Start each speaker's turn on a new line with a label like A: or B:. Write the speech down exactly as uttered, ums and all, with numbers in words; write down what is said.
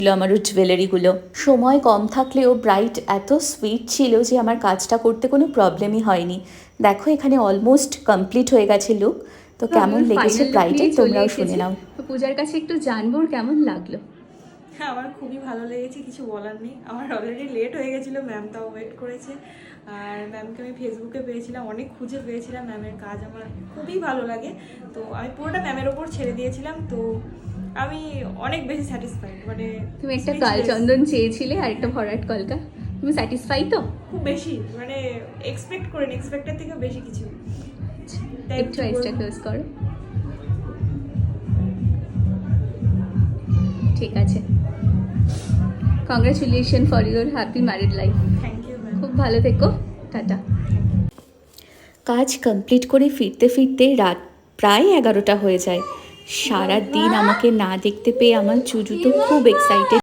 A: আমার জুয়েলারিগুলো। সময় কম থাকলেও ব্রাইট এত সুইট ছিল যে আমার কাজটা করতে কোনো প্রবলেমই হয়নি। দেখো এখানে অলমোস্ট কমপ্লিট হয়ে গেছে লুক। তো কেমন লেগেছে ব্রাইটের তোমরাও শুনে নাও।
B: তো পূজার কাছে একটু জানবো কেমন লাগলো।
C: হ্যাঁ, আমার খুবই ভালো লেগেছে, কিছু বলার নেই। আমার অলরেডি লেট হয়ে গেছিলো, ম্যাম তাও ওয়েট করেছে। আর ম্যামকে আমি ফেসবুকে পেয়েছিলাম, অনেক খুঁজে পেয়েছিলাম। ম্যামের কাজ আমার খুবই ভালো লাগে, তো আমি পুরোটা ম্যামের ওপর ছেড়ে দিয়েছিলাম। তো আমি অনেক বেশি স্যাটিসফাইড। মানে
B: তুমি একটা কালচন্দন চেয়েছিলে আর একটা ভরাট কলকা, তুমি স্যাটিসফাই তো?
C: খুব বেশি, মানে এক্সপেক্ট করিনি, এক্সপেক্টের থেকে বেশি কিছু।
B: একটু এক্সট্রা ক্লোজ করো। ঠিক আছে, congratulation for your happy married life.
C: Thank you ma'am.
B: খুব ভালো থেকো, টাটা।
A: কাজ কমপ্লিট করে ফিরতে ফিরতে রাত প্রায় এগারোটা হয়ে যায়। সারা দিন আমাকে না দেখতে পেয়ে আমার চুজু তো খুব এক্সাইটেড।